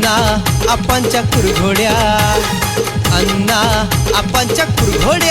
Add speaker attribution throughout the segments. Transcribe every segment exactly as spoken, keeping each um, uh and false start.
Speaker 1: अण्णा आपांच्या कुरघोड्या, अण्णा आपांच्या कुरघोड्या.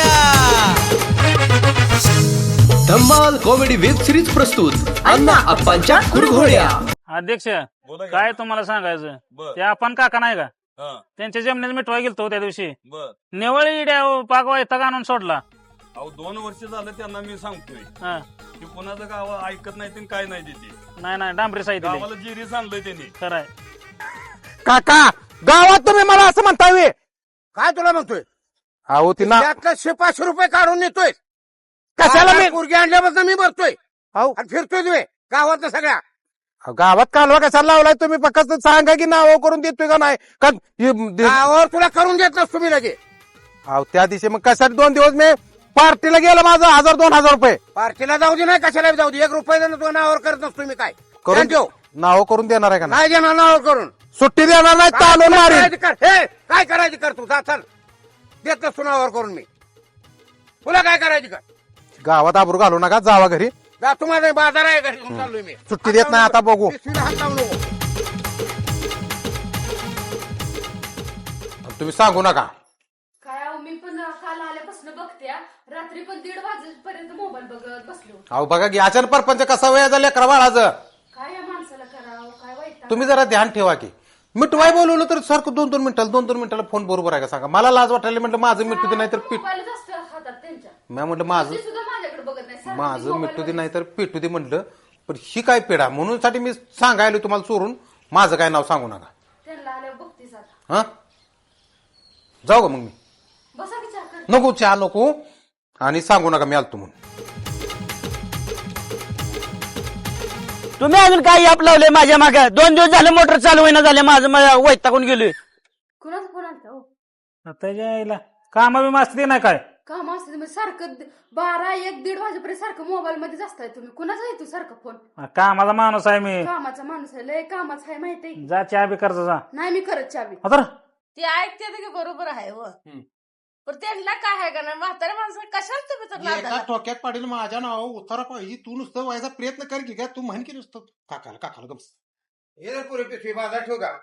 Speaker 1: धम्माल कॉमेडी वेब सिरीज प्रस्तुत अण्णा आपांच्या कुरघोड्या.
Speaker 2: अध्यक्ष काय तुम्हाला सांगायचं, ते आपण काका नाही का त्यांच्या जमिनीत मिठवा गेलतो त्या दिवशी, निवळ इड्या पाक वैताग आणून सोडला.
Speaker 3: अहो दोन वर्ष झालं त्यांना मी सांगतोय की कोणाचं गाव ऐकत नाही काय नाही तिथे.
Speaker 2: नाही नाही डांबरी साहित्य
Speaker 3: गावाला जिरीस आणलंय त्यांनी.
Speaker 2: खरंय
Speaker 4: काका, गावात तुम्ही मला असं म्हणताय
Speaker 5: काय तुला म्हणतोय?
Speaker 4: अहो तिला
Speaker 5: त्यातलं शेपाचशे रुपये काढून नेतोय.
Speaker 4: कशाला मी
Speaker 5: मुर्गी आणल्यापासून मी भरतोय
Speaker 4: अहो
Speaker 5: आणि फिरतोय तुम्ही गावात सगळ्या.
Speaker 4: गावात कालवा कशाला लावलाय तुम्ही? फक्त सांगा की नाव करून देतोय का नाही का?
Speaker 5: गावावर तुला करून देत नसतो मी लगे.
Speaker 4: अहो त्या दिवशी मग कशासाठी दोन दिवस मी पार्टीला गेला माझा हजार दोन हजार रुपये
Speaker 5: पार्टीला जाऊ दे नाही कशाला जाऊ दे, एक रुपये देणं तुझ्या नावावर करत नसतो मी. काय
Speaker 4: करून
Speaker 5: ठेव
Speaker 4: नाव करून देणार आहे का नाही?
Speaker 5: नाही देणार नावावर करून.
Speaker 4: सुट्टी देणार नाही,
Speaker 5: काय
Speaker 4: चालून मारीन.
Speaker 5: करायचं कर, हे काय करायचं कर तू. जा चल, देत नसतो नावावर करून मी. तुला काय करायचं कर.
Speaker 4: गावात आबरू घालू नका, जावा घरी.
Speaker 5: जा तुम्हाला बाजार आहे घरी घेऊन चाललोय मी.
Speaker 4: सुट्टी देत नाही आता, बघू.
Speaker 5: पिशवीला हात लावू नको.
Speaker 4: तुम्ही सांगू नका.
Speaker 6: काय अहो, मी पण काल आल्यापासून बघते हा. रात्री पण दीड वाजेपर्यंत मोबाईल बघत बसलो.
Speaker 4: अहो बघा की अचानक परपंच कसा वेळ झाला लेकरा बाळाचं.
Speaker 6: काय या माणसाला करावं, काय वाईट.
Speaker 4: तुम्ही जरा ध्यान ठेवा की. मिठवाय बोलवलं तर सारखं दोन दोन मिनिटाला दोन दोन मिनिटाला फोन बरोबर आहे का सांगा? मला लाज वाटायला म्हटलं माझं मिठू दे नाही तर पीठ.
Speaker 6: मोबाईलच असतो हातात त्यांच्या.
Speaker 4: मी म्हटलं माझं
Speaker 6: ती सुद्धा माझ्याकडे बघत नाही. सारखं ती
Speaker 4: माझं
Speaker 6: मोबाईल
Speaker 4: मिठू दे
Speaker 6: वर-
Speaker 4: नाही तर पेटू दे म्हटलं. पण ही काय पेढा म्हणून साठी मी सांगायला तुम्हाला चोरून. माझं काय नाव सांगू नका.
Speaker 6: त्यांना आल्यावर बघतीस आता.
Speaker 4: हा जाऊ का मग मी?
Speaker 6: बसा विचार कर.
Speaker 4: नको चहा नको आणि सांगू नका मी आलतो म्हणून.
Speaker 7: तुम्ही अजून काय याप लावले माझ्या मागे? दोन दिवस झाले मोटर चालू होईना झाले, माझं वैतागून गेलोय.
Speaker 6: कुणाचा फोन आलता हो?
Speaker 2: त्याच्या आईला काम बी मास्ती नाही काय.
Speaker 6: काम असते तुम्ही सारखं बारा एक दीड वाजेपर्यंत सारखं मोबाईल मध्येच असताय तुम्ही. कुणाचा येतो सारखं फोन?
Speaker 2: कामाचा माणूस आहे मी.
Speaker 6: कामाचा माणूस आहे, लय कामाचा आहे माहितीये.
Speaker 2: जा चहा बी करजा जा.
Speaker 6: नाही मी करत चावी.
Speaker 2: आता
Speaker 8: ते ऐकते की बरोबर आहे व पण त्यांना काय आहे का ना म्हाताऱ्या माणसाला कशाला तुम्ही तर नादाला?
Speaker 4: ठोक्यात पाडील माझ्या नाव उतारा पाहिजे. तू नुसतं व्हायचा प्रयत्न कर की. काय तू म्हण की नुसतं काकाला काकाला गप्स.
Speaker 5: हे रे पुरे पिशवी बाजार ठेव का.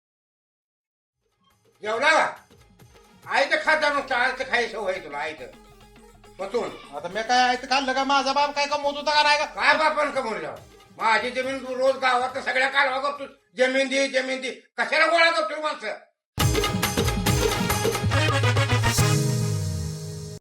Speaker 5: जेवला का? आयचं खाता नुसतं आयचं खायचं सवय तुला आयचं बसून.
Speaker 4: आता मी काय आहे खाल्लं का? माझा बाप काय कमवत होता का नाही का?
Speaker 5: काय बापान कमवलं? माझी जमीन तू रोज गावात सगळ्या कालवा करतो. जमीन दे जमीन दे कशाला गोळा करतो माणसं?